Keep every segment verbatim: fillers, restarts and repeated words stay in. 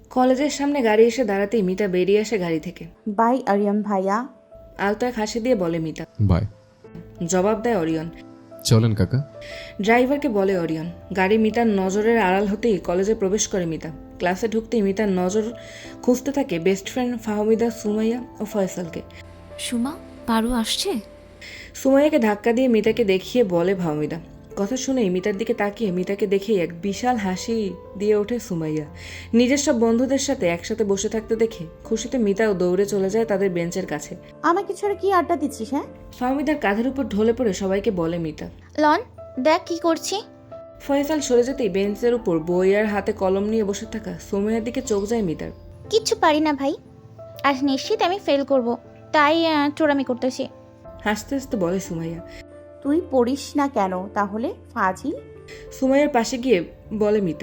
কলেজের সামনে গাড়ি এসে দাঁড়াতেই মিতা বেরিয়ে আসে গাড়ি থেকে। বাই আরিয়ান ভাইয়া। আলতো এক হাসি দিয়ে বলে মিতা। বাই। জবাব দেয় অরিয়ন। চলেন কাকা। ড্রাইভারকে বলে অরিয়ন। গাড়ি মিতার নজরের আড়াল হতেই কলেজে প্রবেশ করে মিতা। ক্লাসে ঢুকতেই মিতার নজর খুঁজতে থাকে বেস্ট ফ্রেন্ড ফাহমিদা, সুমাইয়া ও ফয়সালকে। সুমা, পারু আসছে? সুমাইয়াকে ধাক্কা দিয়ে মিতাকে দেখিয়ে বলে ফাহমিদা। কথা শুনেই মিতার দিকে তাকিয়ে মিতাকে দেখেই এক বিশাল হাসি দিয়ে ওঠে সুমাইয়া। নিজের সব বন্ধুদের সাথে একসাথে বসে থাকতে দেখে খুশিতে মিতাও দৌড়ে চলে যায় তাদের বেঞ্চের কাছে। আমাকে ছাড়া কি আড্ডা দিচ্ছিস? হ্যাঁ, ফাহমিদার কাঁধের উপর ঢলে পড়ে সবাইকে বলে মিতা। লন, দেখ কি করছি। ফয়সাল সরে যেতেই বেঞ্চের উপর বই আর হাতে কলম নিয়ে বসে থাকা সুমাইয়ার দিকে চোখ যায় মিতার। কিচ্ছু পারি না ভাই, আজ নিশ্চিত আমি ফেল করব, তাই আহ, চোরামি করতেছি। হাসতে হাসতে বলে সুমাইয়া। তুই পড়িস না কেন তাহলে ফাজিল? সুমাইয়ার পাশে গিয়ে বলে মিতা।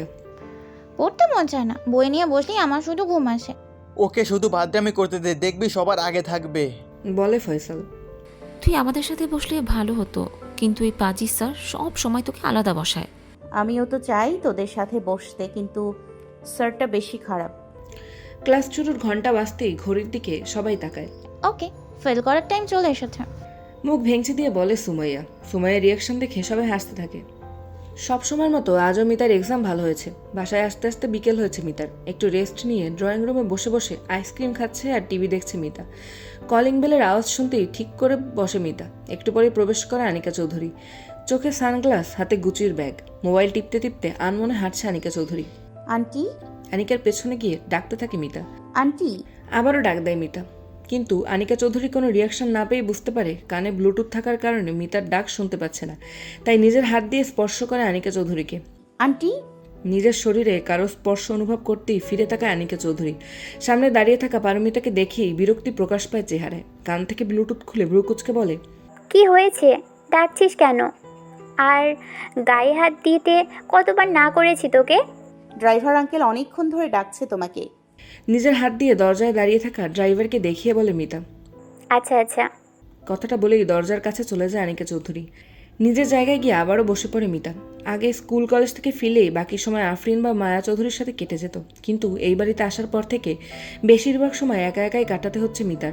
পড়তে মন চায় না, বই নিয়ে বসলেই আমার শুধু ঘুম আসে। ওকে শুধু বাদরামি করতে দে, দেখবি সবার আগে থাকবে। বলে ফয়সাল। তুই আমাদের সাথে বসলে ভালো হতো, কিন্তু এই পাজি স্যার সব সময় তোকে আলাদা বসায়। আমিও তো চাই তোদের সাথে বসতে, কিন্তু স্যারটা বেশি খারাপ। ক্লাস শুরুর ঘন্টা বাজতেই ঘড়ির দিকে সবাই তাকায়। ওকে, ফেল করার টাইম চলে এসেছে। মুখ ভেঙচি দিয়ে বলে সুমাইয়া। সুমাইয়ার রিয়াকশন দেখে সবাই হাসতে থাকে। সব সময়ের মতো আজও মিতার এক্সাম ভালো হয়েছে। বাসায় আস্তে আস্তে বিকেল হয়েছে মিতার। একটু রেস্ট নিয়ে ড্রয়িং রুমে বসে বসে আইসক্রিম খাচ্ছে আর টিভি দেখছে মিতা। কলিং বেলের আওয়াজ শুনতেই ঠিক করে বসে মিতা। একটু পরে প্রবেশ করে আনিকা চৌধুরী। চোখে সানগ্লাস, হাতে গুচির ব্যাগ, মোবাইল টিপতে টিপতে আনমনে হাঁটছে আনিকা চৌধুরী। আন্টি, আনিকার পেছনে গিয়ে ডাকতে থাকে মিতা। আন্টি। আবারও ডাক দেয় মিতা, কিন্তু আনিকা চৌধুরী কোনো রিয়াকশন না পেয়ে বুঝতে পারে কানে ব্লুটুথ থাকার কারণে মিতার ডাক শুনতে পাচ্ছে না। তাই নিজের হাত দিয়ে স্পর্শ করে আনিকা চৌধুরীকে। আন্টি। নিজের শরীরে কারো স্পর্শ অনুভব করতেই ফিরে তাকায় আনিকা চৌধুরী। সামনে দাঁড়িয়ে থাকা পারমিতাকে দেখেই বিরক্তি প্রকাশ পায় চেহারায়। কান থেকে ব্লুটুথ খুলে ব্রুকুচকে বলে, কি হয়েছে, ডাকছিস কেন? আর গায়ে হাত দিতে কতবার না করেছি তোকে? ড্রাইভার আঙ্কেল অনেকক্ষণ ধরে ডাকছে তোমাকে। নিজের হাত দিয়ে দরজায় দাঁড়িয়ে থাকা ড্রাইভারকে দেখিয়ে বলে মিতা। আচ্ছা আচ্ছা। কথাটা বলেই দরজার কাছে চলে যায় আনিকা চৌধুরী। নিজের জায়গায় গিয়ে আবারও বসে পড়ে মিতা। আগে স্কুল কলেজ থেকে ফিরেই বাকি সময় আফরিন বা মায়া চৌধুরীর সাথে কেটে যেত, কিন্তু এই বাড়িতে আসার পর থেকে বেশিরভাগ সময় একা একাই কাটাতে হচ্ছে মিতার।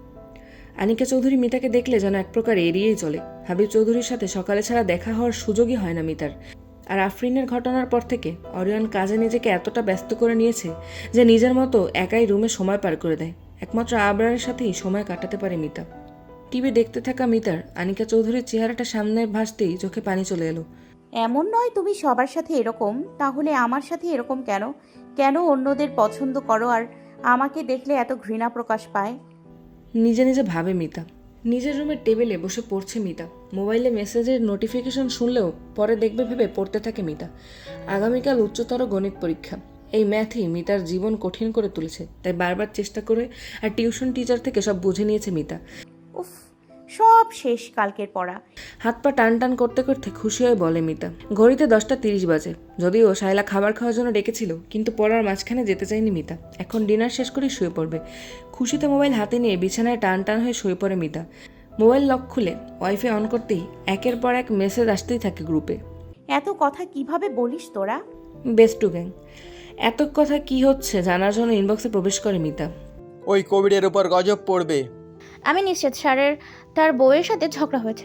আনিকা চৌধুরী মিতাকে দেখলে যেন এক প্রকার এড়িয়েই চলে। হাবিব চৌধুরীর সাথে সকালে ছাড়া দেখা হওয়ার সুযোগই হয় না মিতার। আর আফরিনের ঘটনার পর থেকে অরিয়ন কাজে নিজেকে এতটা ব্যস্ত করে নিয়েছে যে নিজের মতো একাই রুমে সময় পার করে দেয়। একমাত্র আবরারের সাথেই সময় কাটাতে পারে মিতা। টিভি দেখতে থাকা মিতার আনিকা চৌধুরীর চেহারাটা সামনে ভাসতেই চোখে পানি চলে এলো। এমন নয় তুমি সবার সাথে এরকম, তাহলে আমার সাথে এরকম কেন? কেন অন্যদের পছন্দ করো আর আমাকে দেখলে এত ঘৃণা প্রকাশ পায়? নিজে নিজে ভাবে মিতা। নিজের রুমের টেবিলে বসে পড়ছে মিতা। মোবাইলে মেসেজের নোটিফিকেশন শুনলেও পরে দেখবে ভেবে পড়তে থাকে মিতা। আগামীকাল উচ্চতর গণিত পরীক্ষা। এই ম্যাথই মিতার জীবন কঠিন করে তুলেছে, তাই বারবার চেষ্টা করে আর টিউশন টিচার থেকে সব বুঝে নিয়েছে মিতা। উফ, সব শেষ কালকের পড়া। হাত পা টান টান করতে করতে খুশি হয়ে বলে মিতা। ঘড়িতে দশটা তিরিশ বাজে। যদিও শায়লা খাবার খাওয়ার জন্য ডেকেছিল, কিন্তু পড়ার মাঝখানে যেতে চায়নি মিতা। এখন ডিনার শেষ করে শুয়ে পড়বে। খুশিতে মোবাইল হাতে নিয়ে বিছানায় টান টান হয়ে শুয়ে পড়ে মিতা। মোবাইল লক খুলে ওয়াইফাই অন করতেই একের পর এক মেসেজ আসতেই থাকে গ্রুপে। এত কথা কিভাবে বলিস তোরা? Best two gang. এত কথা কি হচ্ছে জানার জন্য ইনবক্সে প্রবেশ করে মিতা। ওই কোভিডের উপর গজব পড়বে। আমি নিশ্চিত স্যারের তার বউয়ের সাথে ঝগড়া হয়েছে।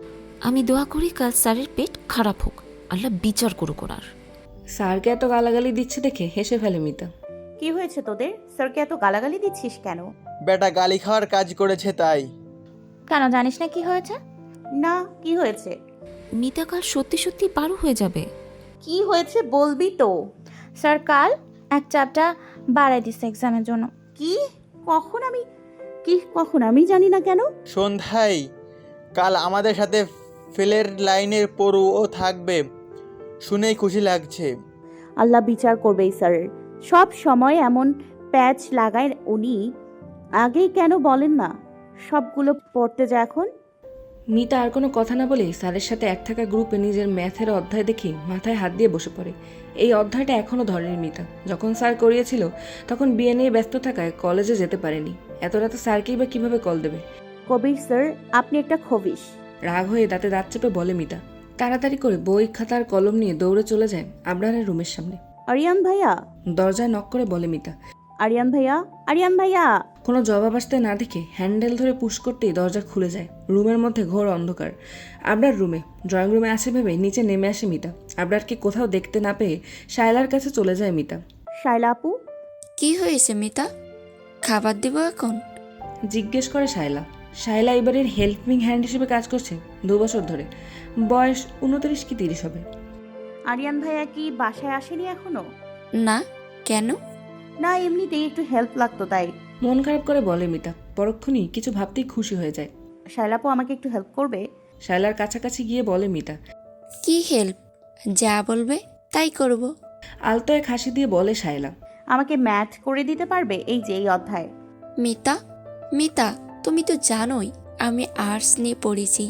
আমি দোয়া করি কাল স্যারের পেট খারাপ হোক, আল্লাহ বিচার করুক ওনার। স্যারকে এত গালাগালি দিচ্ছে দেখে হেসে ফেলে মিতা। কি হয়েছে তোদের? স্যারকে এত গালাগালি দিচ্ছিস কেন? বেটা গালি খাওয়ার কাজ করেছে তাই। কেন, জানিস না কি হয়েছে? না, কি হয়েছে? মিতা কাল সত্যি সত্যি পারু হয়ে যাবে। কি হয়েছে বলবি তো? স্যার কাল এক চাপটা বাড়াই দিচ্ছে এক্সামের জন্য। কি? কখন? আমি কি কখন? আমি জানি না কেন। সন্ধ্যায় কাল আমাদের সাথে ফেলের লাইনের পড়ুও থাকবে, শুনেই খুশি লাগছে। আল্লাহ বিচার করবে এই স্যারের। সব সময় এমন প্যাচ লাগায় উনি, আগেই কেন বলেন না? সবগুলো পড়তে যায় এখন। মিতা আর কোনো কথা না বলেই স্যারের সাথে এক থাকা গ্রুপে নিজের ম্যাথের অধ্যায় দেখে মাথায় হাত দিয়ে বসে পড়ে। এই অধ্যায়টা এখনও ধরেনি মিতা। যখন স্যার করিয়েছিল তখন বিয়ে নিয়ে ব্যস্ত থাকায় কলেজে যেতে পারেনি। এত রাতে স্যারকেই বা কীভাবে কল দেবে? কবির স্যার, আপনি একটা খবিশ। রাগ হয়ে দাঁতে দাঁত চেপে বলে মিতা। তাড়াতাড়ি করে বই খাতার কলম নিয়ে দৌড়ে চলে যায় আবরারের রুমের সামনে। আরিয়ান ভাইয়া, দরজায় নক করে বলে মিতা। আরিয়ান ভাইয়া, আরিয়ান ভাইয়া। কোনো জবাব আসতে না দেখে হ্যান্ডেল ধরে পুশ করতেই দরজা খুলে যায়। রুমের মধ্যে ঘোর অন্ধকার। আবরার রুমে, ড্রয়িং রুমে আছে ভেবে নিচে নেমে আসে মিতা। আবরারকে কোথাও দেখতে না পেয়ে শায়লার কাছে চলে যায় মিতা। শায়লা আপু, কি হয়েছে মিতা? খাবার দেব এখন? জিজ্ঞেস করে শায়লা। শায়লা এবারের হেল্পিং হ্যান্ড হিসেবে কাজ করছে দু বছর ধরে। বয়স উনত্রিশ কি তিরিশ হবে। আরিয়ান ভাইয়া কি বাসায় আসেনি এখনো? না, কেন? না, এমনিতেই একটু হেল্প লাগতো তাই। মন খারাপ করে বলে মিতা। পরক্ষণই কিছু ভাবতেই খুশি হয়ে যায়। শায়লা আপু আমাকে একটু হেল্প করবে? শায়লার কাছাকাছি গিয়ে বলে মিতা। কি হেল্প? যা বলবে তাই করব। আলতো এক হাসি দিয়ে বলে শায়লা। আমাকে ম্যাথ করে দিতে পারবে এই যে এই অধ্যায়? মিতা, মিতা তুমি তো জানোই আমি আর্টস নিয়ে পড়েছি,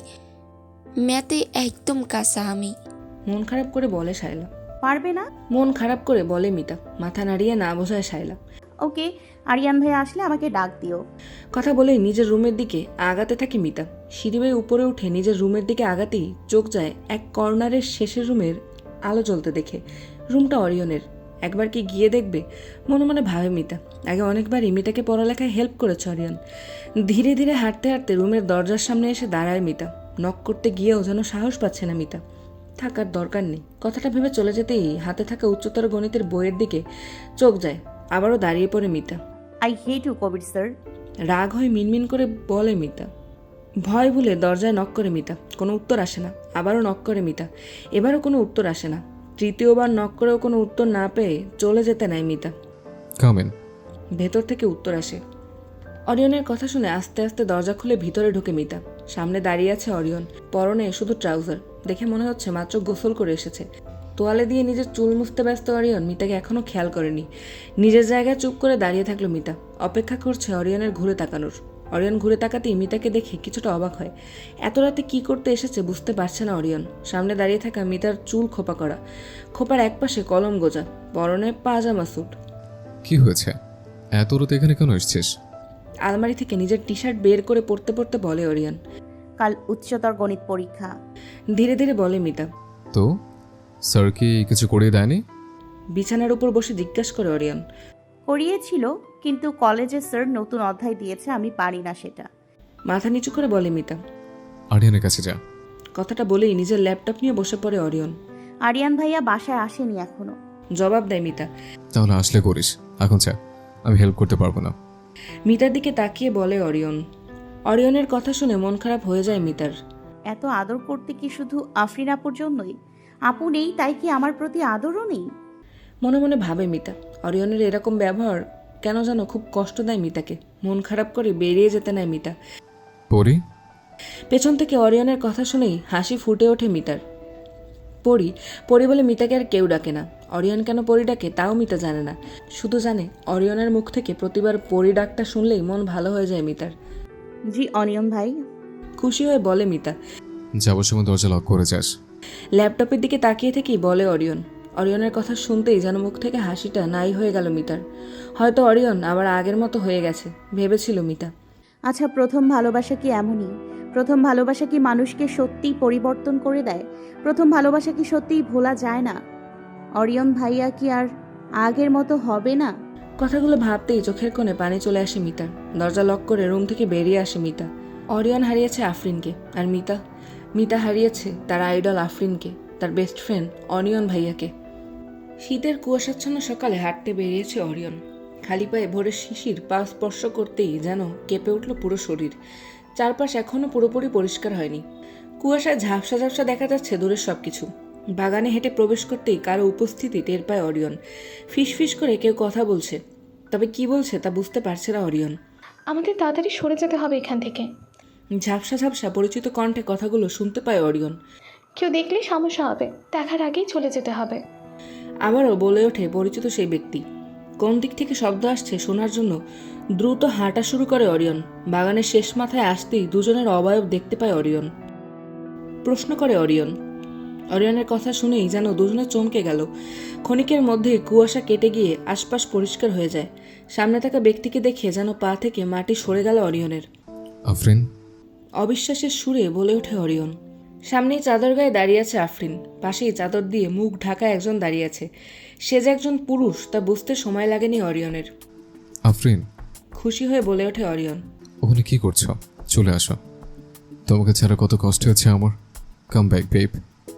ম্যাথে একদম কাঁচা আমি। মন খারাপ করে বলে শায়লা। পারবে না? মন খারাপ করে বলে মিতা। মাথা নাড়িয়ে না বোঝায় শায়লা। ওকে, আরিয়ান ভাইয়া আসলে আমাকে ডাক দিও। কথা বলেই নিজের রুমের দিকে আগাতে থাকে মিতা। সিঁড়ি বেয়ে উপরে উঠে নিজের রুমের দিকে আগাতেই চোখ যায় এক কর্নারের শেষের রুমের আলো জ্বলতে দেখে। রুমটা অরিয়নের। একবার কি গিয়ে দেখবে মনে মনে ভাবে মিতা। আগে অনেকবারই মিতাকে পড়ালেখায় হেল্প করেছে অরিয়ন। ধীরে ধীরে হাঁটতে হাঁটতে রুমের দরজার সামনে এসে দাঁড়ায় মিতা। নক করতে গিয়েও যেন সাহস পাচ্ছে না মিতা। থাকার দরকার নেই কথাটা ভেবে চলে যেতেই হাতে থাকা উচ্চতর গণিতের বইয়ের দিকে চোখ যায়। আবারও দাঁড়িয়ে পড়ে Mita. I hate you Kabir sir. রাগ হয়ে মিনমিন করে বলে মিতা। ভয় ভুলে দরজায় নক করে মিতা। কোনো উত্তর আসে না। আবারও নক করে মিতা। এবারও কোনো উত্তর আসে না। তৃতীয়বার নক করেও কোনো উত্তর না পেয়ে চলে যেতে নেয় মিতা। Come in. ভেতর থেকে উত্তর আসে। অরিয়নের কথা শুনে আস্তে আস্তে দরজা খুলে ভিতরে ঢুকে মিতা। সামনে দাঁড়িয়ে আছে অরিয়ন। পরনে শুধু ট্রাউজার। দেখে মনে হচ্ছে মাত্র গোসল করে এসেছে। তোয়ালে দিয়ে নিজের চুল মুছতে ব্যস্ত অরিয়ন মিতাকে এখনও খেয়াল করেনি। নিজের জায়গায় চুপ করে দাঁড়িয়ে থাকলো মিতা। অপেক্ষা করছে অরিয়নের ঘুরে তাকানোর। অরিয়ন ঘুরে তাকাতেই মিতাকে দেখে কিছুটা অবাক হয়। এত রাতে কী করতে এসেছে বুঝতে পারছে না অরিয়ন। সামনে দাঁড়িয়ে থাকা মিতার চুল খোপা করা। খোপার একপাশে কলম গোজা। পরনে পাজামা স্যুট। কি হয়েছে? এত রাতে এখানে কেন এসেছিস? আলমারি থেকে নিজের টি শার্ট বের করে পড়তে পড়তে বলে অরিয়ন। কাল উচ্চতর গণিত পরীক্ষা। ধীরে ধীরে বলে মিতা। তো স্যার কি কিছু করিয়ে দেয়নি? বিছানার উপর বসে জিজ্ঞাসা করে অরিয়ন। করিয়েছিল, কিন্তু কলেজে স্যার নতুন অধ্যায় দিয়েছে, আমি পারি না সেটা। মাথা নিচু করে বলে মিতা। আরিয়ানের কাছে যা। কথাটা বলেই নিজের ল্যাপটপ নিয়ে বসে পড়ে অরিয়ন। আরিয়ান ভাইয়া বাসায় আসেনি এখনো। জবাব দেয় মিতা। তাহলে আসলে করিস, এখন যা, আমি হেল্প করতে পারবো না। মিতার দিকে তাকিয়ে বলে অরিয়ন। অরিয়নের কথা শুনে মন খারাপ হয়ে যায় মিতার। এত আদর করতে কি শুধু আফরিন আপুর জন্যই? আপু নেই তাই কি আমার প্রতি আদরও নেই? মনে মনে ভাবে মিতা। অরিয়নের এরকম ব্যবহার কেন যেন খুব কষ্ট দেয় মিতাকে। মন খারাপ করে বেরিয়ে যেতে নেয় মিতা। পরি? পেছন থেকে অরিয়নের কথা শুনেই হাসি ফুটে ওঠে মিতার। পরি পরি বলে মিতাকে আর কেউ ডাকে না। অরিয়ন কেন পরি ডাকে তাও মিতা জানে না। শুধু জানে অরিয়নের মুখ থেকে প্রতিবার পরি ডাকটা শুনলেই মন ভালো হয়ে যায় মিতার। জি অনিয়ন ভাই। খুশি হয়ে বলে মিতা। যাবার সময় দরজা লক করে যাস। ল্যাপটপের দিকে তাকিয়ে থেকেই বলে অরিয়ন। অরিয়নের কথা শুনতেই যেন মুখ থেকে হাসিটা নাই হয়ে গেল মিতার। হয়তো অরিয়ন আবার আগের মতো হয়ে গেছে ভেবেছিল মিতা। আচ্ছা, প্রথম ভালোবাসা কি এমনই? প্রথম ভালোবাসা কি মানুষকে সত্যিই পরিবর্তন করে দেয়? প্রথম ভালোবাসা কি সত্যিই ভোলা যায় না? অরিয়ন ভাইয়া কি আর আগের মতো হবে না? কথাগুলো ভাবতেই চোখের কোণে পানি চলে আসে মিতার। দরজা লক করে রুম থেকে বেরিয়ে আসে মিতা। অরিয়ন হারিয়েছে আফরিনকে, আর মিতা মিতা হারিয়েছে তার আইডল আফরিনকে, তার বেস্ট ফ্রেন্ড অনিয়ন ভাইয়াকে। শীতের কুয়াশাচ্ছন্ন সকালে হাঁটতে বেরিয়েছে অরিয়ন। খালি পায়ে ভোরের শিশির পা স্পর্শ করতেই যেন কেঁপে উঠল পুরো শরীর। চারপাশ এখনও পুরোপুরি পরিষ্কার হয়নি। কুয়াশায় ঝাপসা ঝাপসা দেখা যাচ্ছে দূরের সব কিছু। বাগানে হেঁটে প্রবেশ করতেই কারো উপস্থিতি টের পায় অরিয়ন। ফিস ফিস করে কেউ কথা বলছে, তবে কি বলছে তা বুঝতে পারছে না অরিয়ন। আমাদের তাড়াতাড়ি সরে যেতে হবে এখান থেকে। ঝাপসা ঝাপসা পরিচিত কণ্ঠে কথাগুলো শুনতে পায় অরিয়ন। কেউ দেখলেই সমস্যা হবে, দেখার আগেই চলে যেতে হবে। আবারও বলে ওঠে পরিচিত সেই ব্যক্তি। কোন দিক থেকে শব্দ আসছে শোনার জন্য দ্রুত হাঁটা শুরু করে অরিয়ন। বাগানের শেষ মাথায় আসতেই দুজনের অবয়ব দেখতে পায় অরিয়ন। প্রশ্ন করে অরিয়ন। অরিয়নের কথা শুনেই যেন দুজনে চমকে গেল। ক্ষণিকের মধ্যে কুয়াশা কেটে গিয়ে আশপাশ পরিষ্কার হয়ে যায়। সামনে থাকা ব্যক্তিকে দেখে যেন পা থেকে মাটি সরে গেল অরিয়নের। আফরিন? অবিশ্বাসের সুরে বলে ওঠে অরিয়ন। সামনেই চাদর গায়ে দাঁড়িয়ে আছে আফরিন, পাশেই চাদর দিয়ে মুখ ঢাকা একজন দাঁড়িয়ে আছে। সে যে একজন পুরুষ তা বুঝতে সময় লাগেনি অরিয়নের। আফরিন, খুশি হয়ে বলে ওঠে অরিয়ন। ওখানে কি করছো? চলে আসো। তোমাকে ছাড়া কত কষ্ট হচ্ছে আমার। Come back babe.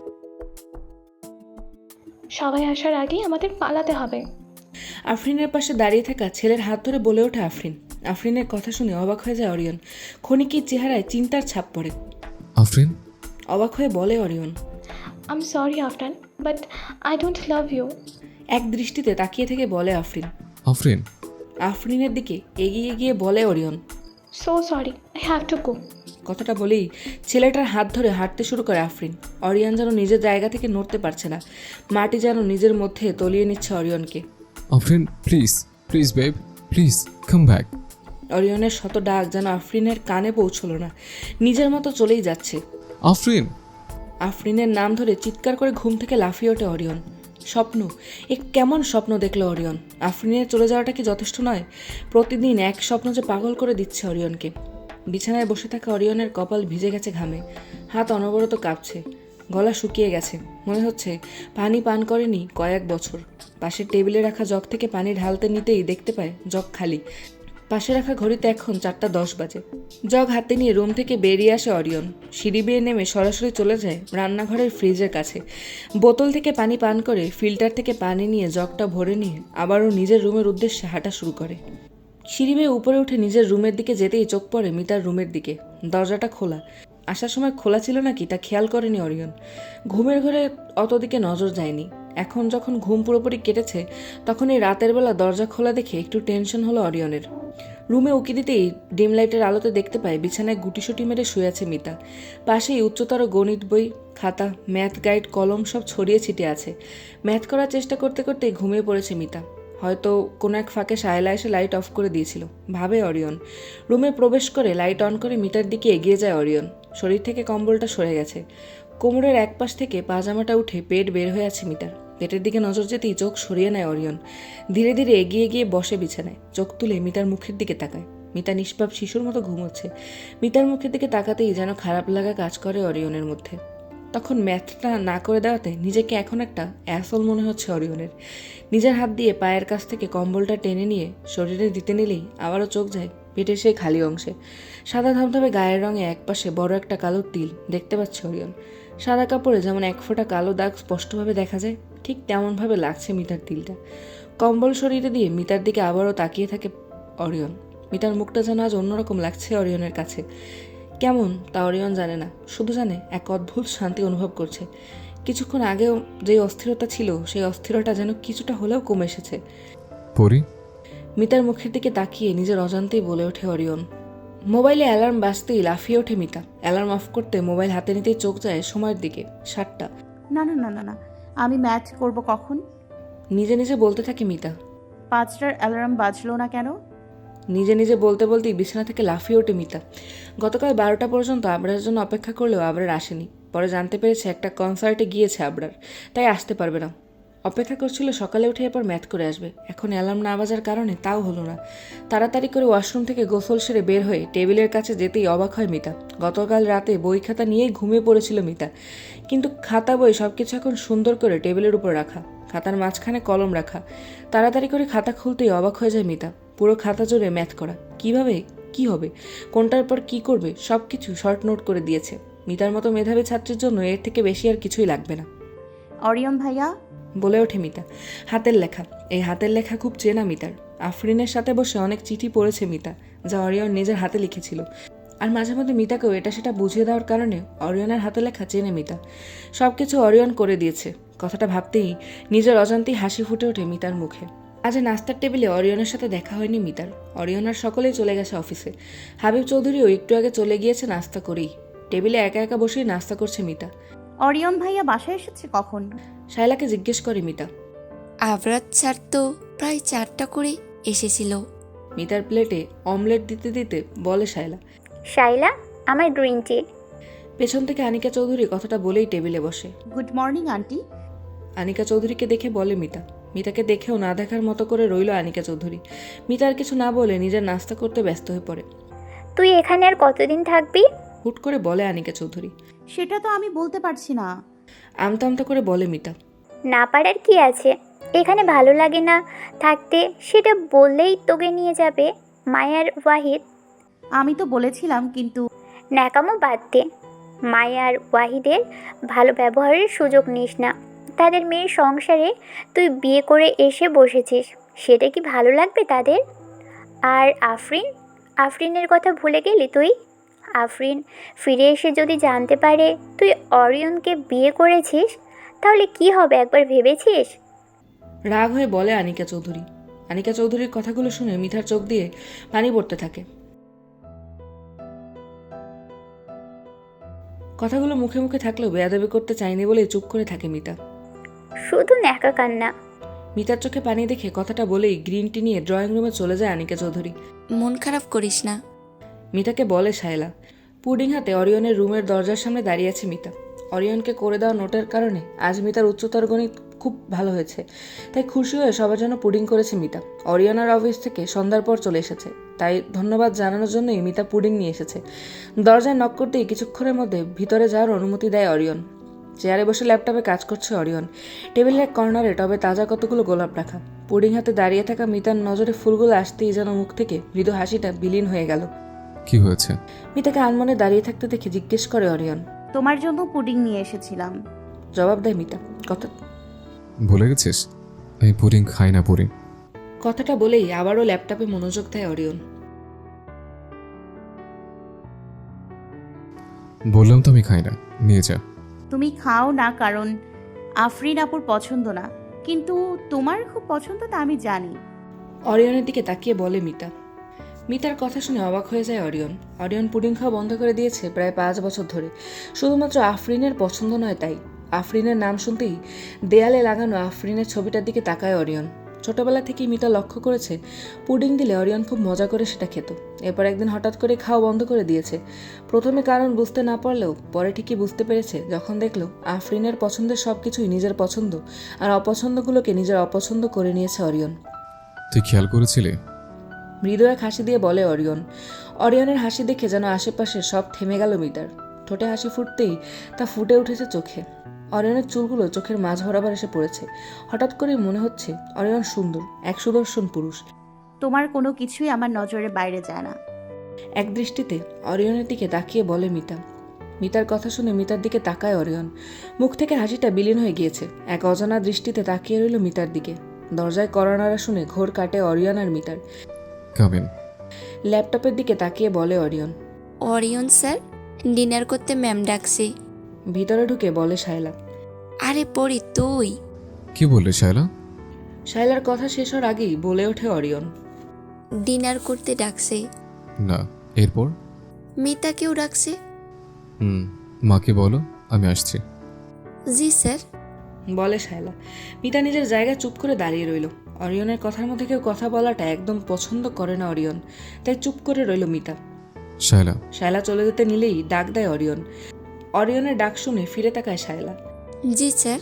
সবাই আসার আগেই আমাদের পালাতে হবে। আফরিনের পাশে দাঁড়িয়ে থাকা ছেলের হাত ধরে বলে ওঠে আফরিন। আফরিনের কথা শুনে অবাক হয়ে যায় অরিয়ন। ক্ষণিকের চেহারায় চিন্তার ছাপ পড়ে। আফরিন, অবাক হয়ে বলে Orion. I am sorry Afran, but I don't love you. এক দৃষ্টিতে তাকিয়ে থেকে বলে আফরিন। আফরিন। আফরিনের দিকে এগিয়ে গিয়ে বলে Orion. So sorry, I have to go. কথাটা বলেই ছেলেটার হাত ধরে হাঁটতে শুরু করে আফরিন। অরিয়ন যেন নিজের জায়গা থেকে নড়তে পারছে না, মাটি যেন নিজের মধ্যে তলিয়ে নিচ্ছে অরিয়নকে। Afrin, please please babe, please come back. অরিয়নের শত ডাক যেন আফরিনের কানে পৌঁছলো না, নিজের মতো চলেই যাচ্ছে। আফরিন। আফরিনের নাম ধরে চিৎকার করে ঘুম থেকে লাফিয়ে ওঠে অরিয়ন। স্বপ্ন, এ কেমন স্বপ্ন দেখলো অরিয়ন? আফরিনের চলে যাওয়াটা কি যথেষ্ট নয়? প্রতিদিন এক স্বপ্ন যে পাগল করে দিচ্ছে অরিয়নকে। বিছানায় বসে থাকা অরিয়নের কপাল ভিজে গেছে ঘামে, হাত অনবরত কাঁপছে, গলা শুকিয়ে গেছে, মনে হচ্ছে পানি পান করেনি কয়েক বছর। পাশের টেবিলে রাখা জগ থেকে পানি ঢালতে নিতেই দেখতে পায় জগ খালি। পাশে রাখা ঘড়িতে এখন চারটা দশ বাজে। জগ হাতে নিয়ে রুম থেকে বেরিয়ে আসে অরিয়ন। সিঁড়ি বেয়ে নেমে সরাসরি চলে যায় রান্নাঘরের ফ্রিজের কাছে। বোতল থেকে পানি পান করে ফিল্টার থেকে পানি নিয়ে জগটা ভরে নিয়ে আবারও নিজের রুমের উদ্দেশ্যে হাঁটা শুরু করে। সিঁড়ি বেয়ে উপরে উঠে নিজের রুমের দিকে যেতেই চোখ পড়ে মিতার রুমের দিকে। দরজাটা খোলা। আসার সময় খোলা ছিল নাকি তা খেয়াল করেনি অরিয়ন। ঘুমের ঘরে অত দিকে নজর যায়নি। এখন যখন ঘুম পুরোপুরি কেটেছে তখন এই রাতের বেলা দরজা খোলা দেখে একটু টেনশন হলো অরিয়নের। রুমে উকি দিতেই ডিম লাইটের আলোতে দেখতে পায় বিছানায় গুটিসুটি মেরে শুয়ে আছে মিতা। পাশেই উচ্চতর গণিত বই, খাতা, ম্যাথ গাইড, কলম সব ছড়িয়ে ছিটিয়ে আছে। ম্যাথ করার চেষ্টা করতে করতেই ঘুমিয়ে পড়েছে মিতা। হয়তো কোনো এক ফাঁকে সায়লা এসে লাইট অফ করে দিয়েছিল, ভাবে অরিয়ন। রুমে প্রবেশ করে লাইট অন করে মিতার দিকে এগিয়ে যায় অরিয়ন। শরীর থেকে কম্বলটা সরে গেছে। কোমরের এক পাশ থেকে পাজামাটা উঠে পেট বের হয়ে আছে মিতার। পেটের দিকে নজর যেতেই চোখ সরিয়ে নেয় অরিয়ন। ধীরে ধীরে এগিয়ে গিয়ে বসে বিছানায়, চোখ তুলে মিতার মুখের দিকে তাকায়। মিতা নিষ্পাপ শিশুর মতো ঘুমোচ্ছে। মিতার মুখের দিকে তাকাতেই যেন খারাপ লাগা কাজ করে অরিয়নের মধ্যে। তখন ম্যাথটা না করে দেওয়াতে নিজেকে এখন একটা অ্যাসল মনে হচ্ছে অরিয়নের। নিজের হাত দিয়ে পায়ের কাছ থেকে কম্বলটা টেনে নিয়ে শরীরে দিতে নিলেই আবারও চোখ যায় পেটের সেই খালি অংশে। সাদা ধবধবে গায়ের রঙে একপাশে বড় একটা কালো তিল দেখতে পাচ্ছে অরিয়ন। সাদা কাপড়ে যেমন এক ফোঁটা কালো দাগ স্পষ্টভাবে দেখা যায়, ঠিক তেমনভাবে লাগছে মিতার তিলটা। কম্বল শরীরে দিয়ে মিতার দিকে আবারও তাকিয়ে থাকে অরিয়ন। মিতার মুখটা যেন আজ অন্যরকম লাগছে অরিয়নের কাছে। কেমন তা অরিয়ন জানে না, শুধু জানে এক অদ্ভুত শান্তি অনুভব করছে। কিছুক্ষণ আগেও যে অস্থিরতা ছিল সেই অস্থিরতা যেন কিছুটা হলেও কমে এসেছে। পরি। মিতার মুখের দিকে তাকিয়ে নিজের অজান্তেই বলে ওঠে অরিয়ন। মোবাইলে অ্যালার্ম বাজতেই লাফিয়ে ওঠে মিতা। অ্যালার্ম অফ করতে মোবাইল হাতে নিতেই চোখ যায় সময়ের দিকে, সাতটা। না না না না না আমি ম্যাথ করব কখন? নিজে নিজে বলতে থাকে মিতা। পাঁচটার অ্যালার্ম বাজলো না কেন? নিজে নিজে বলতে বলতেই বিছানা থেকে লাফিয়ে ওঠে মিতা। গতকাল বারোটা পর্যন্ত আবরারের জন্য অপেক্ষা করলেও আবরার আসেনি। পরে জানতে পেরেছে একটা কনসার্টে গিয়েছে আবরার, তাই আসতে পারবে না। অপেক্ষা করছিল সকালে উঠে এরপর ম্যাথ করে আসবে। এখন অ্যালার্ম না বাজার কারণে তাও হলো না। তাড়াতাড়ি করে ওয়াশরুম থেকে গোসল সেরে বের হয়ে টেবিলের কাছে যেতেই অবাক হয় মিতা। গতকাল রাতে বই খাতা নিয়েই ঘুমিয়ে পড়েছিল মিতা, কিন্তু খাতা বই সব কিছু এখন সুন্দর করে টেবিলের উপর রাখা, খাতার মাঝখানে কলম রাখা। তাড়াতাড়ি করে খাতা খুলতেই অবাক হয়ে যায় মিতা। পুরো খাতা জুড়ে ম্যাথ করা। কিভাবে কি হবে, কোনটার পর কি করবে সব কিছু শর্ট নোট করে দিয়েছে। মিতার মতো মেধাবী ছাত্রীর জন্য এর থেকে বেশি আর কিছুই লাগবে না। অরিয়ন ভাইয়া, বলে ওঠে মিতা। হাতের লেখা, এই হাতের লেখা খুব চেনা মিতার। আফরিনের সাথে বসে অনেক চিঠি পড়েছে মিতা, যা অরিয়ন নিজের হাতে লিখেছিল। আর মাঝে মধ্যে মিতাকেও এটা সেটা বুঝিয়ে দেওয়ার কারণে অরিয়নের হাতে লেখা চেনে মিতা। সব কিছু অরিয়ন করে দিয়েছে। কথাটা ভাবতেই নিজের অজান্তেই হাসি ফুটে ওঠে মিতার মুখে। আজ নাস্তার টেবিলে অরিয়নের সাথে দেখা হয়নি মিতার। অরিয়ন আর সকলেই চলে গেছে অফিসে। হাবিব চৌধুরীও একটু আগে চলে গিয়েছে নাস্তা করেই। টেবিলে একা একা বসেই নাস্তা করছে মিতা। অরিয়ন ভাইয়া বাসায় এসেছে কখন? শায়লাকে জিজ্ঞেস করে মিতা। আবরাত স্যার তো প্রায় চারটা করে এসেছিল। মিতার প্লেটে অমলেট দিতে দিতে বলে শায়লা। শাইলা, আমার গ্রিন টি। পেছন থেকে আনিকা চৌধুরী কথাটা বলেই টেবিলে বসে। Good morning aunty. আনিকা চৌধুরীকে দেখে বলে মিতা। মিতাকে দেখেও না দেখার মতো করে রইল আনিকা চৌধুরী। মিতা আর কিছু না বলে নিজের নাস্তা করতে ব্যস্ত হয়ে পড়ে। তুই এখানে আর কতদিন থাকবি? হুট করে বলে আনিকা চৌধুরী। সেটা তো আমি বলতে পারছি না। আমতা আমতা করে বলে মিতা। না পারার কি আছে? এখানে ভালো লাগে না থাকতে, সেটা বললেই তোকে নিয়ে যাবে মায়ার ওয়াহিদ। আমি তো বলেছিলাম, কিন্তু ন্যাকামো বাদ দে। মায়ার ওয়াহিদের ভালো ব্যবহারের সুযোগ নিস না। তাদের মেয়ের সংসারে তুই বিয়ে করে এসে বসেছিস, সেটা কি ভালো লাগবে তাদের? আর আফরিন, আফরিনের কথা ভুলে গেলি তুই? আফরিন ফিরে এসে যদি জানতে পারে তুই অরিয়নকে বিয়ে করেছিস, তাহলে কি হবে একবার ভেবেছিস? রাগ হয়ে বলে আনিকা চৌধুরী। আনিকা চৌধুরীর কথাগুলো শুনে মিতার চোখ দিয়ে পানি পড়তে থাকে। কথাগুলো মুখে মুখে থাকলেও বেয়াদবি করতে চায়নি বলেই চুপ করে থাকে মিতা। শুধু ন্যাকা কান্না। মিতার চোখে পানি দেখে কথাটা বলেই গ্রিন টি নিয়ে ড্রয়িং রুমে চলে যায় আনিকা চৌধুরী। মন খারাপ করিস না। মিতাকে বলে শায়লা। পুডিং হাতে অরিয়নের রুমের দরজার সামনে দাঁড়িয়ে আছে মিতা। অরিয়নকে করে দেওয়া নোটের কারণে আজ মিতার উচ্চতর গণিত খুব ভালো হয়েছে, তাই খুশি হয়ে সবার জন্য পুডিং করেছে মিতা। অরিয়নার অফিস থেকে সন্ধ্যার পর চলে এসেছে, তাই ধন্যবাদ জানানোর জন্যই মিতা পুডিং নিয়ে এসেছে। দরজায় নক করতেই কিছুক্ষণের মধ্যে ভিতরে যাওয়ার অনুমতি দেয় অরিয়ন। চেয়ারে বসে ল্যাপটপে কাজ করছে অরিয়ন। টেবিলের এক কর্নারে টবে তাজা কতগুলো গোলাপ রাখা। পুডিং হাতে দাঁড়িয়ে থাকা মিতার নজরে ফুলগুলো আসতেই যেন মুখ থেকে মৃদু হাসিটা বিলীন হয়ে গেল। কি হয়েছে? মিতাকে আনমনে দাঁড়িয়ে থাকতে দেখে জিজ্ঞেস করে অরিয়ন। তোমার জন্য পুডিং নিয়ে এসেছিলাম। জবাব দেয় মিতা। কথা ভুলে গেছিস? আমি পুডিং খাই না পুরি। কথাটা বলেই আবারও ল্যাপটপে মনোযোগ দেয় অরিয়ন। বললাম তো আমি খাই না, নিয়ে যা। তুমি খাও না কারণ আফরিন আপুর পছন্দ না, কিন্তু তোমার খুব পছন্দ তা আমি জানি। অরিয়নের দিকে তাকিয়ে বলে মিতা। মিতার কথা শুনে অবাক হয়ে যায় অরিয়ন। অরিয়ন পুডিং খাওয়া বন্ধ করে দিয়েছে প্রায় পাঁচ বছর ধরে, শুধুমাত্র আফরিনের পছন্দ নয় তাই। আফরিনের নাম শুনতেই দেয়ালে লাগানো আফরিনের ছবিটার দিকে তাকায় অরিয়ন। ছোটবেলা থেকেই মিতা লক্ষ্য করেছে পুডিং দিলে অরিয়ন খুব মজা করে সেটা খেত। এরপর একদিন হঠাৎ করে খাওয়া বন্ধ করে দিয়েছে। প্রথমে কারণ বুঝতে না পারলেও পরে ঠিকই বুঝতে পেরেছে যখন দেখলো আফরিনের পছন্দের সব কিছুই নিজের পছন্দ, আর অপছন্দগুলোকে নিজের অপছন্দ করে নিয়েছে অরিয়ন। তুই খেয়াল করেছিলি? মৃদু এক হাসি দিয়ে বলে অরিয়ন। অরিয়নের হাসি দেখে যেন আশেপাশে সব থেমে গেল মিতার। ঠোঁটে হাসি ফুটতেই তা ফুটে উঠেছে চোখে। অরিয়নের চুলগুলো চোখের মাঝ বরাবর এসে পড়েছে। হঠাৎ করেই মনে হচ্ছে অরিয়ন সুন্দর, এক সুদর্শন পুরুষ। তোমার কোনো কিছুই আমার নজরের বাইরে যায় না। এক দৃষ্টিতে অরিয়নের দিকে তাকিয়ে বলে মিতা। মিতার কথা শুনে মিতার দিকে তাকায় অরিয়ন। মুখ থেকে হাসিটা বিলীন হয়ে গিয়েছে। এক অজানা দৃষ্টিতে তাকিয়ে রইল মিতার দিকে। দরজায় কড়া নাড়া শুনে ঘোর কাটে অরিয়ন আর মিতার। Come in. ল্যাপটপের দিকে তাকিয়ে বলে অরিয়ন। অরিয়ন স্যার, ডিনার করতে ম্যাম ডাকছে। ভিতরে ঢুকে বলে শায়লা। আরে পড়ি তুই। কি বললি শায়লা? শায়লার কথা শেষ হওয়ার আগেই বলে ওঠে অরিয়ন। ডিনার করতে ডাকছে। না, এরপর? মিতাকেও ডাকছে। হুম, মাকে বলো আমি আসছি। জি স্যার। বলে শায়লা। মিতা নিজের জায়গায় চুপ করে দাঁড়িয়ে রইল। অরিয়নের কথার মধ্যে কেউ কথা বলাটা একদম পছন্দ করে না অরিয়ন, তাই চুপ করে রইল মিতা। শায়লা। শায়লা চলে যেতে নিলেই ডাক দেয় অরিয়ন। অরিয়নের ডাক শুনে ফিরে তাকায় শায়লা। জি স্যার।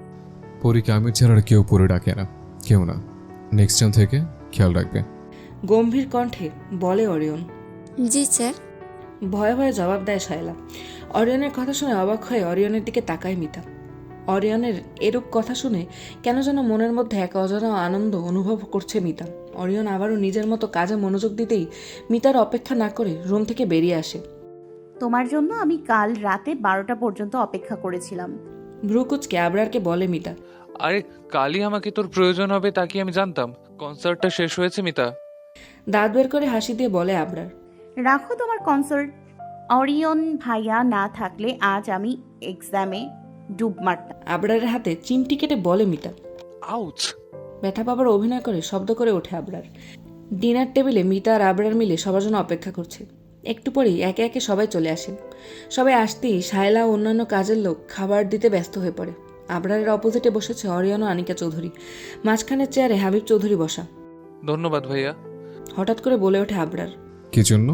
পরীকে আমির ছাড়া আর কেউ পরে ডাকে না, কেউ না। নেক্সট টাইম থেকে খেয়াল রাখবে। গম্ভীর কণ্ঠে বলে অরিয়ন। জি স্যার। ভয়ে ভয়ে জবাব দেয় শায়লা। অরিয়নের কথা শুনে অবাক হয়ে অরিয়নের দিকে তাকায় মিতা। অরিয়নের এরূপ কথা শুনে কেন যেন মনের মধ্যে এক অজানা আনন্দ অনুভব করছে মিতা। অরিয়ন আবারও নিজের মতো কাজে মনোযোগ দিতেই মিতার অপেক্ষা না করে রুম থেকে বেরিয়ে আসে। তোমার জন্য আমি কাল রাতে বারোটা পর্যন্ত অপেক্ষা করেছিলাম। ভ্রুকুচকে আবরারকে বলে মিতা। আরে কালই আমাকে তোর প্রয়োজন হবে তা কি আমি জানতাম? কনসার্টটা শেষ হয়েছে মিতা। দাঁত বের করে হাসি দিয়ে বলে আবরার। রাখো তোমার কনসার্ট। অরিয়ন ভাইয়া না থাকলে আজ আমি এক্সামে ডুব মারতাম। আবরারের হাতে চিমটি কেটে বলে মিতা। আউচ! ব্যথা পাবার অভিনয় করে শব্দ করে ওঠে আবরার। ডিনার টেবিলে মিতা আর আবরার মিলে সবার জন্য অপেক্ষা করছে। একটু পরেই একে একে সবাই চলে আসে। সবাই আসতেই শায়লা ও অন্যান্য কাজের লোক খাবার দিতে ব্যস্ত হয়ে পড়ে। আবরারের অপোজিটে বসেছে অরিয়ন ও আনিকা চৌধুরী। মাঝখানের চেয়ারে হাবিব চৌধুরী বসা। ধন্যবাদ ভাইয়া। হঠাৎ করে বলে ওঠে আবরার। কি জন্য?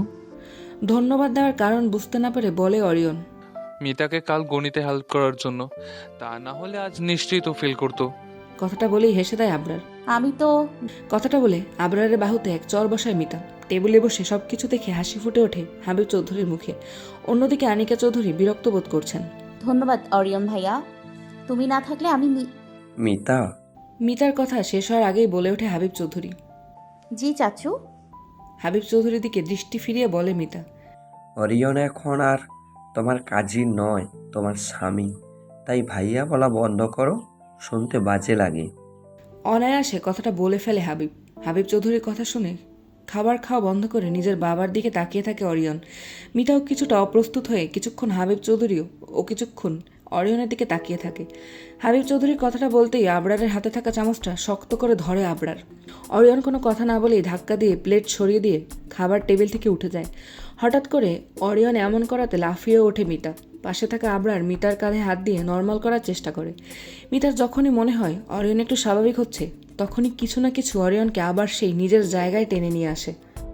ধন্যবাদ দেওয়ার কারণ বুঝতে না পেরে বলে অরিয়ন। মিতাকে কাল গণিতে হেল্প করার জন্য, তা না হলে আজ নিশ্চয়ই তো ফেল করতো। কথাটা বলেই হেসে দেয় আবরার। আমি তো কথাটা বলে আবরারের বাহুতে এক চর বসায় মিতা। টেবিলে বসে সব কিছু দেখে হাসি ফুটে ওঠে হাবিব চৌধুরীর মুখে। অন্যদিকে আনিকা চৌধুরী বিরক্ত বোধ করছেন। ধন্যবাদ অরিয়ন ভাইয়া, তুমি না থাকলে আমি মি- মিতা, মিতার কথা শেষ হওয়ার আগেই বলে ওঠে হাবিব চৌধুরী। জি চাচু। হাবিব চৌধুরীর দিকে দৃষ্টি ফিরিয়ে বলে মিতা। অরিয়ন এখন আর তোমার কাজী নয়, তোমার স্বামী। তাই ভাইয়া বলা বন্ধ করো, শুনতে বাজে লাগে। অনায়াসে কথাটা বলে ফেলে হাবিব। হাবিব চৌধুরীর কথা শুনে খাবার খাওয়া বন্ধ করে নিজের বাবার দিকে তাকিয়ে থাকে অরিয়ন। মিতাও কিছুটা অপ্রস্তুত হয়ে কিছুক্ষণ হাবিব চৌধুরীও ও কিছুক্ষণ অরিয়নের দিকে তাকিয়ে থাকে। হাবিব চৌধুরীর কথাটা বলতেই আবরারের হাতে থাকা চামচটা শক্ত করে ধরে আবরার। অরিয়ন কোনো কথা না বলেই ধাক্কা দিয়ে প্লেট সরিয়ে দিয়ে খাবার টেবিল থেকে উঠে যায়। হঠাৎ করে অরিয়ন এমন করাতে লাফিয়ে ওঠে মিতা। পাশে থাকা আবরার মিতার কাঁধে হাত দিয়ে নর্মাল করার চেষ্টা করে। মিতার যখনই মনে হয় অরিয়ন একটু স্বাভাবিক হচ্ছে, তখনই কিছু না কিছু অরিয়নকে আবার সেই নিজের জায়গায় টেনে নিয়ে আসে।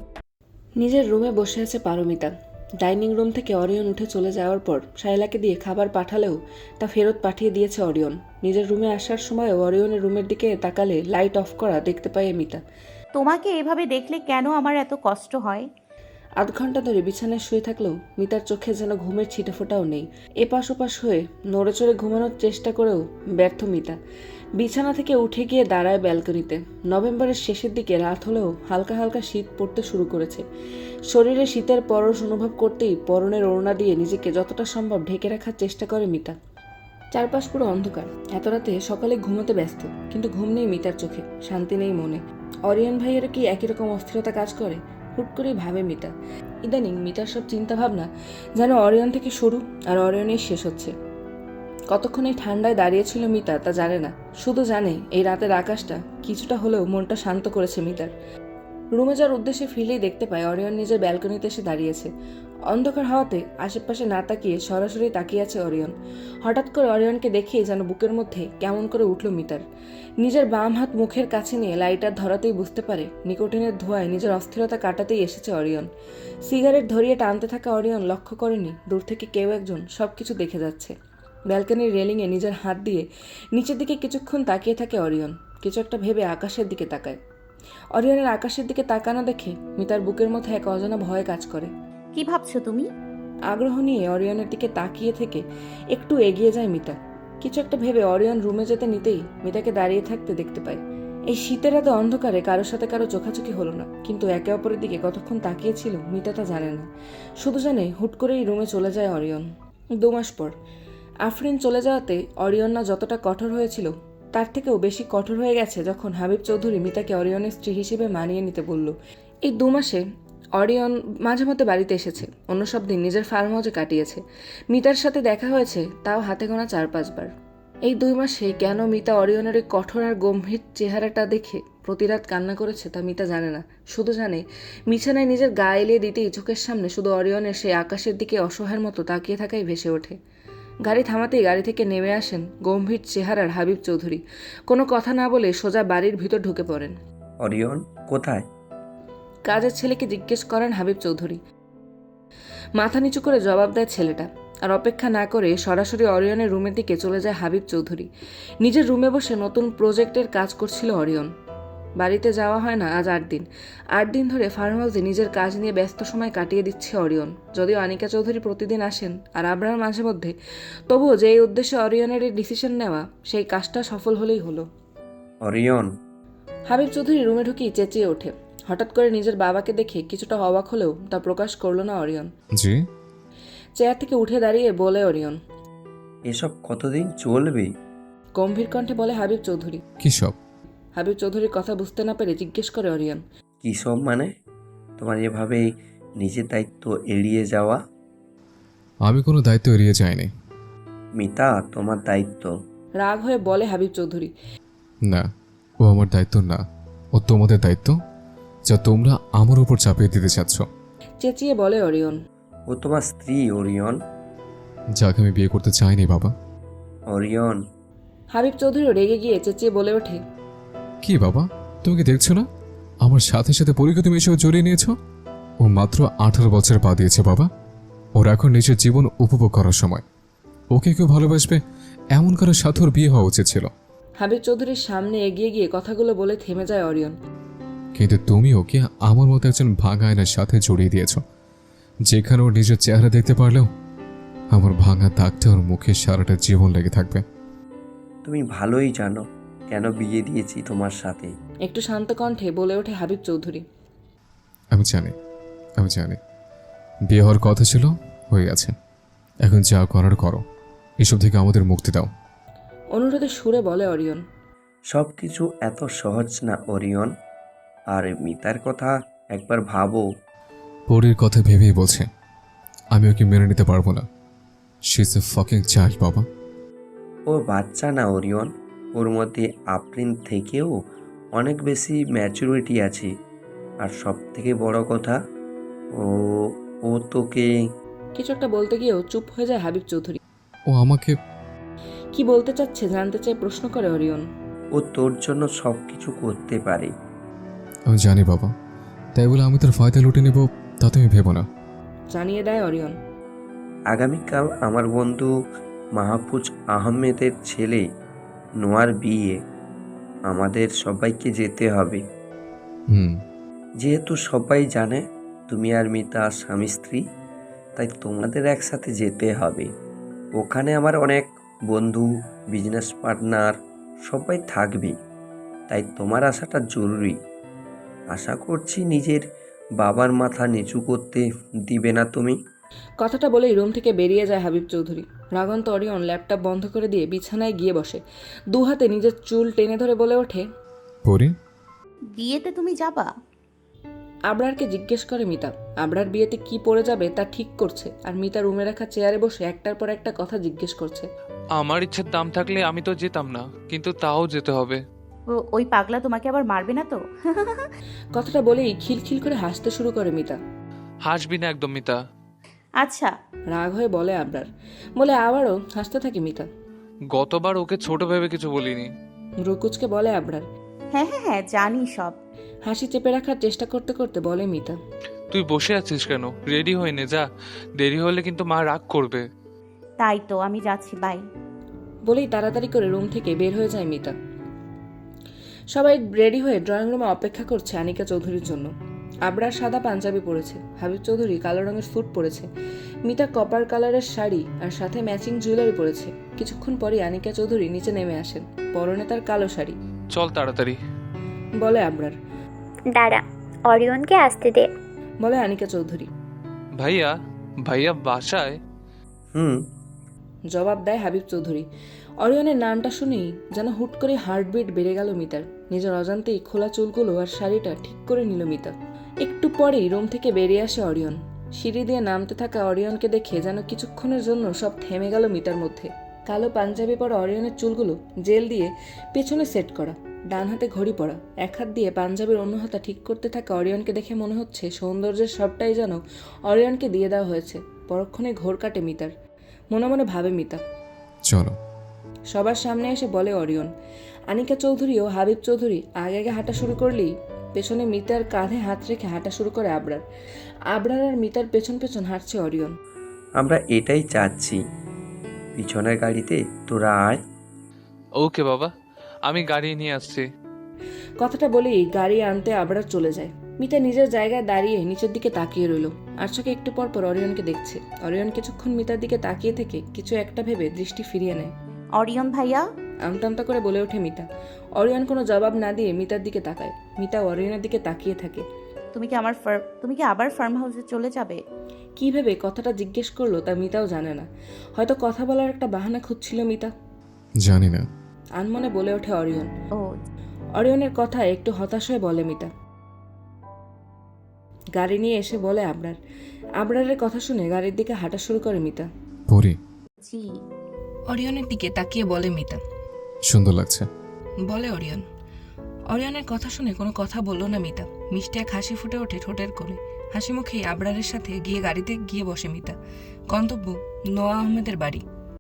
নিজের রুমে বসে আছে পারমিতা। ডাইনিং রুম থেকে অরিয়ন উঠে চলে যাওয়ার পর শায়লাকে দিয়ে খাবার পাঠালেও তা ফেরত পাঠিয়ে দিয়েছে অরিয়ন। নিজের রুমে আসার সময় অরিয়নের রুমের দিকে তাকালে লাইট অফ করা দেখতে পায় মিতা। তোমাকে এভাবে দেখলে কেন আমার এত কষ্ট হয়? আধ ঘন্টা ধরে বিছানায় শুয়ে থাকলেও মিতার চোখে যেন ঘুমের ছিটেফোঁটাও নেই। এপাশ ওপাশ হয়ে নড়ে চড়ে ঘুমানোর চেষ্টা করেও ব্যর্থ মিতা। বিছানা থেকে উঠে গিয়ে দাঁড়ায় ব্যালকনিতে। নভেম্বরের শেষের দিকে রাত হলেও হালকা হালকা শীত পড়তে শুরু করেছে। শরীরে শীতের পরশ অনুভব করতেই পরনের ওড়না দিয়ে নিজেকে যতটা সম্ভব ঢেকে রাখার চেষ্টা করে মিতা। চারপাশ পুরো অন্ধকার। এত রাতে সকালে ঘুমোতে ব্যস্ত, কিন্তু ঘুম নেই মিতার চোখে, শান্তি নেই মনে। অরিয়ন ভাইয়েরও কি একই রকম অস্থিরতা কাজ করে? হুট করেই ভাবে মিতা। ইদানিং মিতার সব চিন্তা ভাবনা যেন অরিয়ন থেকে শুরু আর অরিয়নেই শেষ হচ্ছে। কতক্ষণ এই ঠান্ডায় দাঁড়িয়েছিল মিতা তা জানে না, শুধু জানে এই রাতের আকাশটা কিছুটা হলেও মনটা শান্ত করেছে মিতার। রুমে যাওয়ার উদ্দেশ্যে ফিরলেই দেখতে পায় অরিয়ন নিজের ব্যালকনিতে এসে দাঁড়িয়েছে। অন্ধকার হওয়াতে আশেপাশে না তাকিয়ে সরাসরি তাকিয়ে আছে অরিয়ন। হঠাৎ করে অরিয়নকে দেখেই যেন বুকের মধ্যে কেমন করে উঠল মিতার। নিজের বাম হাত মুখের কাছে নিয়ে লাইটার ধরাতেই বুঝতে পারে নিকোটিনের ধোঁয়ায় নিজের অস্থিরতা কাটাতেই এসেছে অরিয়ন। সিগারেট ধরিয়ে টানতে থাকা অরিয়ন লক্ষ্য করেনি দূর থেকে কেউ একজন সব কিছু দেখে যাচ্ছে। ব্যালকনির রেলিংয়ে নিজের হাত দিয়ে নিচের দিকে কিছুক্ষণ তাকিয়ে থাকে অরিয়ন। কিছু একটা ভেবে আকাশের দিকে তাকায়। অরিয়নের আকাশের দিকে তাকানো দেখে মিতার বুকের মধ্যে এক অজানা ভয় কাজ করে। কি ভাবছো তুমি? আগ্রহ নিয়ে অরিয়নের দিকে তাকিয়ে থেকে একটু এগিয়ে যায় মিতা। কিছু একটা ভেবে অরিয়ন রুমে যেতে নিতেই মিতাকে দাঁড়িয়ে থাকতে দেখতে পায়। এই শীতের রাতে অন্ধকারে কারোর সাথে কারো চোখাচোখি হলো না, কিন্তু একে অপরের দিকে কতক্ষণ তাকিয়েছিল মিতা তা জানে না। শুধু জানে হুট করেই রুমে চলে যায় অরিয়ন। দু মাস পর আফরিন চলে যাওয়াতে অরিয়ন না যতটা কঠোর হয়েছিল তার থেকেও বেশি কঠোর হয়ে গেছে যখন হাবিব চৌধুরী মিতাকে অরিয়নের স্ত্রী হিসেবে মানিয়ে নিতে বলল। এই দু মাসে অরিয়ন মাঝে মধ্যে বাড়িতে এসেছে, অন্য সব দিন নিজের ফার্ম হাউসে কাটিয়েছে। মিতার সাথে দেখা হয়েছে তাও হাতে গোনা চার পাঁচবার। এই দুই মাসে কেন মিতা অরিয়নের এই কঠোর আর গম্ভীর চেহারাটা দেখে প্রতিরাত কান্না করেছে তা মিতা জানে না। শুধু জানে বিছানায় নিজের গা এলিয়ে দিতেই চোখের সামনে শুধু অরিয়নের সেই আকাশের দিকে অসহায়ের মতো তাকিয়ে থাকাই ভেসে ওঠে। গাড়ি থামাতেই গাড়ি থেকে নেমে আসেন গম্ভীর চেহারার হাবিব চৌধুরী। কোনো কথা না বলে সোজা বাড়ির ভিতর ঢুকে পড়েন। অরিয়ন কোথায়? কাজের ছেলেকে জিজ্ঞেস করেন হাবিব চৌধুরী। মাথা নিচু করে জবাব দেয় ছেলেটা। আর অপেক্ষা না করে সরাসরি অরিয়নের রুমের দিকে চলে যায় হাবিব চৌধুরী। নিজের রুমে বসে নতুন প্রজেক্টের কাজ করছিল অরিয়ন। বাড়িতে যাওয়া হয় না আজ আট দিন। আট দিন ধরে ফার্ম হাউসে নিজের কাজ নিয়ে ব্যস্ত সময় কাটিয়ে দিচ্ছে অরিয়ন। যদিও আনিকা চৌধুরী প্রতিদিন আসেন আর আবরার মাঝে মধ্যে, তবুও যে উদ্দেশ্যে অরিয়নের এই ডিসিশন নেওয়া সেই কাজটা সফল হলেই হলো। অরিয়ন। হাবিব চৌধুরী রুমে ঢুকেই চেঁচিয়ে ওঠে। হঠাৎ করে নিজের বাবাকে দেখে কিছুটা অবাক হলেও তা প্রকাশ করল না অরিয়ন। জি। চেয়ার থেকে উঠে দাঁড়িয়ে বলে অরিয়ন। এসব কতদিন চলবে? গম্ভীর কণ্ঠে বলে হাবিব চৌধুরী। কি সব? হাবিব চৌধুরীর কথা বুঝতে না পেরে জিজ্ঞেস করে অরিয়ন। কি সব মানে? তোমার এভাবে নিজের দায়িত্ব এড়িয়ে যাওয়া? আমি কোনো দায়িত্ব এড়িয়ে যাইনি মিতা, তোমার দায়িত্ব। রাগ হয়ে বলে হাবিব চৌধুরী। না, ও আমার দায়িত্ব না, ও তোমাদের দায়িত্ব, যা তোমরা আমার উপর চাপিয়ে দিতে চাচ্ছ। চেঁচিয়ে বলে অরিয়ন। ও তোমার স্ত্রী অরিয়ন। যাকে আমি বিয়ে করতে চাইনি বাবা। অরিয়ন। হাবিব চৌধুরী রেগে গিয়ে চেঁচিয়ে বলে ওঠে। কি বাবা, তুমি কি দেখছো না আমার সাথে সাথে পরীক্ষা তুমি এসেও জড়িয়ে নিয়েছ? ও মাত্র আঠারো বছর পা দিয়েছে বাবা। ওর এখন নিজের জীবন উপভোগ করার সময়। ওকে কেউ ভালোবাসবে এমন কারোর সাথে ওর বিয়ে হওয়া উচিত ছিল। হাবিব চৌধুরীর সামনে এগিয়ে গিয়ে কথাগুলো বলে থেমে যায় অরিয়ন। কিন্তু তুমি ওকে আমার মতো একজন ভাঙা আয়নার সাথে জড়িয়ে দিয়েছ, যেখানে ওর নিজের চেহারা দেখতে পারলেও আমার ভাঙা দাগটা ওর মুখে সারাটা জীবন লেগে থাকবে। তুমি ভালোই জানো কেন বিয়ে দিয়েছি তোমার সাথে। একটু শান্ত কণ্ঠে বলে ওঠে হাবিব চৌধুরী। আমি জানি আমি জানি বিয়ে হওয়ার কথা ছিল, হয়ে গেছে। এখন যা করার করো, এসব থেকে আমাদের মুক্তি দাও। অনুরোধের সুরে বলে অরিয়ন। সব কিছু এত সহজ না অরিয়ন। আর মিতার কথা একবার ভাবো। পরীর কথা ভেবেই বলছে আমি ওকে মেনে নিতে পারবো না। She is a fucking child বাবা। ও বাচ্চা না অরিয়ন, ওর মধ্যে আফরিন থেকেও অনেক বেশি ম্যাচুরিটি আছে। আর সব থেকে বড় কথা, ও ও তোকে কিছু একটা বলতে গিয়েও চুপ হয়ে যায় হাবিব চৌধুরী। ও আমাকে কি বলতে চাচ্ছে জানতে চাই প্রশ্ন করে অরিয়ন। ও তোর জন্য সব কিছু করতে পারে। আমি জানি বাবা, তাই বলে আমি তোর ফায়দা লুটে নেব তা তুমি ভেবো না। জানিয়ে দেয় অরিয়ন। আগামীকাল আমার বন্ধু মাহফুজ আহমেদের ছেলে নোয়ার বিয়ে, আমাদের সবাইকে যেতে হবে। হুম যেহেতু সবাই জানে তুমি আর মিতা স্বামী স্ত্রী, তাই তোমাদের একসাথে যেতে হবে। ওখানে আমার অনেক বন্ধু, বিজনেস পার্টনার সবাই থাকবে, তাই তোমার আসাটা জরুরি। আশা করছি নিজের বাবার মাথা নিচু করতে দিবে না তুমি। কথাটা বলেই রুম থেকে বেরিয়ে যায় হাবিব চৌধুরী। রাগন্ত অরিয়ন ল্যাপটপ বন্ধ করে দিয়ে বিছানায় গিয়ে বসে, দু হাতে নিজের চুল টেনে ধরে বলে ওঠে। পরি, বিয়েতে তুমি যাবা? আবরারকে জিজ্ঞেস করে মিতা। আবরার বিয়েতে কি পরে যাবে তা ঠিক করছে, আর মিতা রুমে রাখা চেয়ারে বসে একটার পর একটা কথা জিজ্ঞেস করছে। আমার ইচ্ছের দাম থাকলে আমি তো যেতাম না, কিন্তু তাও যেতে হবে। ও- ওই পাগলা তোমাকে আবার মারবে না তো? কথাটা বলেই খিলখিল করে হাসতে শুরু করে মিতা। হাসবি না একদম মিতা। আচ্ছা। রাগ হয়ে বলে আবরার, বলে আবারও হাসতে থাকে মিতা। গতবার ওকে ছোট ভেবে কিছু বলিনি। রুকুচকে বলে আবরার। হ্যাঁ হ্যাঁ হ্যাঁ জানি সব। হাসি চেপে রাখার চেষ্টা করতে করতে বলে মিতা। তুই বসে আছিস কেন? রেডি হয়ে নে, যা। দেরি হলে কিন্তু মা রাগ করবে। তাই তো আমি যাচ্ছি, বাই। বলেই তাড়াতাড়ি করে রুম থেকে বের হয়ে যায় মিতা। সবাই রেডি হয়ে ড্রয়িং রুমে অপেক্ষা করছে আনিকা চৌধুরীর জন্য। আবরার সাদা পাঞ্জাবি পরেছে, হাবিব চৌধুরী কালো রঙের স্যুট পরেছে, মিতা কপার কালারের শাড়ি আর সাথে ম্যাচিং জুয়েলারি পরেছে। কিছুক্ষণ পরে আনিকা চৌধুরী নিচে নেমে আসেন, পরনে তার কালো শাড়ি। চল তাড়াতাড়ি, বলে আবরার। দাঁড়া, অরিয়নকে আসতে দে, বলে আনিকা চৌধুরী। ভাইয়া ভাইয়া বাসায়? হুম জবাব দেয় হাবিব চৌধুরী। অরিয়নের নামটা শুনেই যেন হুট করে হার্টবিট বেড়ে গেল মিতার। নিজের অজান্তেই খোলা চুলগুলো আর শাড়িটা ঠিক করে নিল মিতা। একটু পরেই রুম থেকে বেরিয়ে আসে অরিয়ন। সিঁড়ি দিয়ে নামতে থাকা অরিয়নকে দেখে যেন কিছুক্ষণের জন্য সব থেমে গেল মিতার মধ্যে। কালো পাঞ্জাবি পরা অরিয়নের চুলগুলো জেল দিয়ে পেছনে সেট করা, ডান হাতে ঘড়ি পরা, এক হাত দিয়ে পাঞ্জাবির অন্য হাতা ঠিক করতে থাকা অরিয়নকে দেখে মনে হচ্ছে সৌন্দর্যের সবটাই যেন অরিয়নকে দিয়ে দেওয়া হয়েছে। পরক্ষণে ঘোর কাটে মিতার। মনে মনে ভাবে মিতা। চলো। সবার সামনে এসে বলে অরিয়ন। আনিকা চৌধুরী ও হাবিব চৌধুরী আগে আগে হাঁটা শুরু করলেই পেছনে মিতার কাঁধে হাত রেখে হাঁটা শুরু করে আবরার। আবরার আর মিতার পেছন পেছন হাঁটছে অরিয়ন। আমরা এটাই চাচ্ছি। পিছনের গাড়িতে তোরা আয়। ওকে বাবা, আমি গাড়ি নিয়ে আসছি। কথাটা বলেই গাড়ি আনতে আবরার চলে যায়। মিতা নিজের জায়গায় দাঁড়িয়ে নিচের দিকে তাকিয়ে রইল। আর চোখে একটু পর পর অরিয়নকে দেখছে। অরিয়ন কিছুক্ষণ মিতার দিকে তাকিয়ে থেকে কিছু একটা ভেবে দৃষ্টি ফিরিয়ে নেয়। অরিয়ন ভাইয়া, আমতা আমতা করে বলে ওঠে মিতা। অরিয়ন কোনো জবাব না দিয়ে মিতার দিকে তাকায়। মিতা অরিয়নের দিকে তাকিয়ে থাকে। তুমি কি আমার ফার্ম তুমি কি আবার ফার্ম হাউসে চলে যাবে? কী ভেবে কথাটা জিজ্ঞেস করলো তা মিতাও জানে না। হয়তো কথা বলার একটা বাহানা খুঁজছিল মিতা। জানি না, আনমনে বলে ওঠে অরিয়ন। ও অরিয়নের কথায় একটু হতাশ হয়ে বলে মিতা। গাড়ি নিয়ে এসে বলে আবরার। আবরারের কথা শুনে গাড়ির দিকে হাঁটা শুরু করে মিতা। পরি, জি। অরিয়নের দিকে তাকিয়ে বলে মিতা। সুন্দর লাগছে, বলে অরিয়ন। অরিয়নের কথা শুনে কোনো কথা বলল না মিতা। মিষ্টি এক হাসি ফুটে ওঠে ঠোঁটের কোণে। হাসি মুখেই আবরারের সাথে গিয়ে গাড়িতে গিয়ে বসে মিতা। গন্তব্য নোয়া আহমেদের বাড়ি।